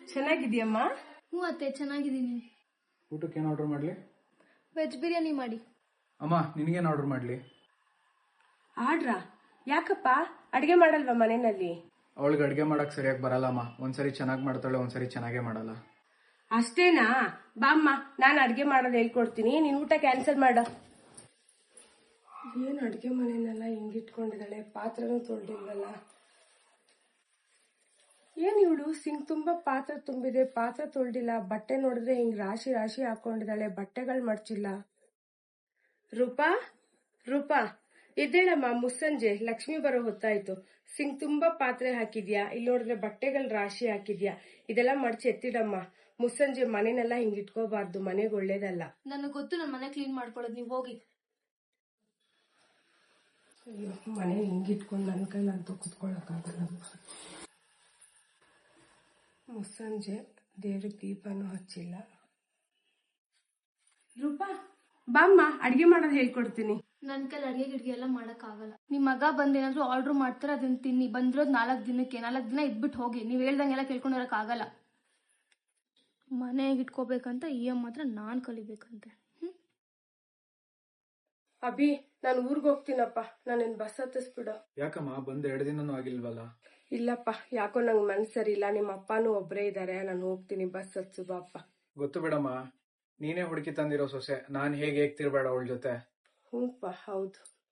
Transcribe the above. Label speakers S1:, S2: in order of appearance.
S1: ಚೆನ್ನಾಗಿದ್ಯಮ್ಮ?
S2: ಹ್ಞೂ ಅತ್ತೆ ಚೆನ್ನಾಗಿದ್ದೀನಿ.
S3: ಊಟಕ್ಕೆ ಏನು ಆರ್ಡರ್ ಮಾಡಲಿ?
S2: ವೆಜ್ ಬಿರಿಯಾನಿ ಮಾಡಿ.
S3: ಅಮ್ಮ ನಿನಗೇನು ಆರ್ಡರ್ ಮಾಡಲಿ?
S1: ಆಡ್ರಾ? ಯಾಕಪ್ಪ ಅಡಿಗೆ ಮಾಡಲ್ವಾ ಮನೆಯಲ್ಲಿ?
S3: ಅವಳಿಗೆ ಅಡುಗೆ ಮಾಡಕ್ಕೆ ಸರಿಯಾಗಿ ಬರಲ್ಲಮ್ಮ. ಒಂದ್ಸರಿ ಚೆನ್ನಾಗಿ ಮಾಡ್ತಾಳೆ, ಒಂದ್ಸರಿ ಚೆನ್ನಾಗೇ ಮಾಡಲ್ಲ.
S1: ಅಷ್ಟೇನಾ? ಬಾಮ್ಮ, ನಾನು ಅಡಿಗೆ ಮಾಡೋದು ಹೇಳ್ಕೊಡ್ತೀನಿ, ನೀನ್ ಊಟ ಕ್ಯಾನ್ಸಲ್ ಮಾಡು. ಏನ್ ಅಡಿಗೆ ಮನೆಯನ್ನೆಲ್ಲ ಹಿಂಗಿಟ್ಕೊಂಡಿದ್ದಾಳೆ, ಪಾತ್ರನೂ ತೊಳ್ದಿಲ್ವಲ್ಲ. ಏನ್ ಇವಳು ಸಿಂಕ್ ತುಂಬಾ ಪಾತ್ರೆ ತುಂಬಿದೆ, ಪಾತ್ರೆ ತೊಳ್ದಿಲ್ಲ. ಬಟ್ಟೆ ನೋಡಿದ್ರೆ ಹಿಂಗ್ ರಾಶಿ ರಾಶಿ ಹಾಕೊಂಡಿದ್ದಾಳೆ, ಬಟ್ಟೆಗಳು ಮಡ್ಚಿಲ್ಲ. ರೂಪಾ ರೂಪಾ ಎದ್ದೇಳಮ್ಮ, ಮುಸ್ಸಂಜೆ ಲಕ್ಷ್ಮಿ ಬರೋ ಹೊತ್ತಾಯ್ತು. ಸಿಂಕ್ ತುಂಬಾ ಪಾತ್ರೆ ಹಾಕಿದ್ಯಾ, ಇಲ್ಲಿ ನೋಡಿದ್ರೆ ಬಟ್ಟೆಗಳು ರಾಶಿ ಹಾಕಿದ್ಯಾ. ಇದೆಲ್ಲ ಮಡ್ಚಿ ಎತ್ತಿಡಮ್ಮ. ಮುಸ್ಸಂಜೆ ಮನೆನೆಲ್ಲ ಹಿಂಗ್ ಇಟ್ಕೋಬಾರ್ದು, ಮನೆಗೆ ಒಳ್ಳೇದಲ್ಲ.
S2: ನನಗೆ ಗೊತ್ತು, ನನ್ನ ಮನೆ ಕ್ಲೀನ್ ಮಾಡ್ಕೊಳ್ಳೋದು, ನೀವು ಹೋಗಿ.
S1: ಅಯ್ಯೋ, ಮನೆ ಹಿಂಗ್ ಇಟ್ಕೊಂಡು ನನ್ನ ಕೈಲಂತೂ ಕುತ್ಕೊಳ್ಳೋಕ್ಕಾಗಲ್ಲ. ಮುಸ್ಸಂಜೆ ದೇವ್ರಿಗೆ ದೀಪನೂ ಹಚ್ಚಿಲ್ಲ. ರೂಪಾ ಬಾಮ್ಮ, ಅಡಿಗೆ ಮಾಡೋದು ಹೇಳ್ಕೊಡ್ತೀನಿ.
S2: ನನ್ನ ಕೈಲಿ ಅಡಿಗೆ ಗಿಡ್ಗೆ ಎಲ್ಲ ಮಾಡೋಕ್ಕಾಗಲ್ಲ. ನಿಮ್ಮ ಮಗ ಬಂದೇನಾದ್ರೂ ಆರ್ಡ್ರ್ ಮಾಡ್ತಾರೆ, ಅದನ್ನ ತಿನ್ನಿ. ಬಂದಿರೋದು 4 ದಿನಕ್ಕೆ, 4 ದಿನ ಇದ್ಬಿಟ್ಟು ಹೋಗಿ. ನೀವು ಹೇಳ್ದಂಗೆಲ್ಲ ಕೇಳ್ಕೊಂಡಿರೋಕ್ಕಾಗಲ್ಲ. ಮನೆಗೆ ಇಟ್ಕೋಬೇಕಂತ ಮಾತ್ರ ನಾನು ಕಲಿಬೇಕಂತೆ.
S1: ಅಭಿ, ನಾನು ಊರ್ಗ್ ಹೋಗ್ತೀನಪ್ಪ, ನಾನು ಬಸ್ ಹತ್ತಿಸ್ಬಿಡು.
S3: ಯಾಕಮ್ಮ, ಬಂದು 2 ದಿನನೂ ಆಗಿಲ್ವಲ್ಲ?
S1: ಇಲ್ಲಪ್ಪ, ಯಾಕೋ ನಂಗೆ ಮನ್ಸು ಸರಿ ಇಲ್ಲ. ನಿಮ್ಮ ಅಪ್ಪನೂ ಒಬ್ಬರೇ ಇದ್ದಾರೆ, ನಾನು ಹೋಗ್ತೀನಿ. ಬಸ್ ಹತ್ಸು ಬಾಪ್ಪ.
S3: ಗೊತ್ತು ಬಿಡಮ್ಮ, ನೀನೇ ಹುಡುಕಿ ತಂದಿರೋ ಸೊಸೆ. ನಾನು ಹೇಗೆ ತಿರ್ಬೇಡ ಅವಳ ಜೊತೆ.
S1: ಹ್ಞೂಪ್ಪ, ಹೌದು.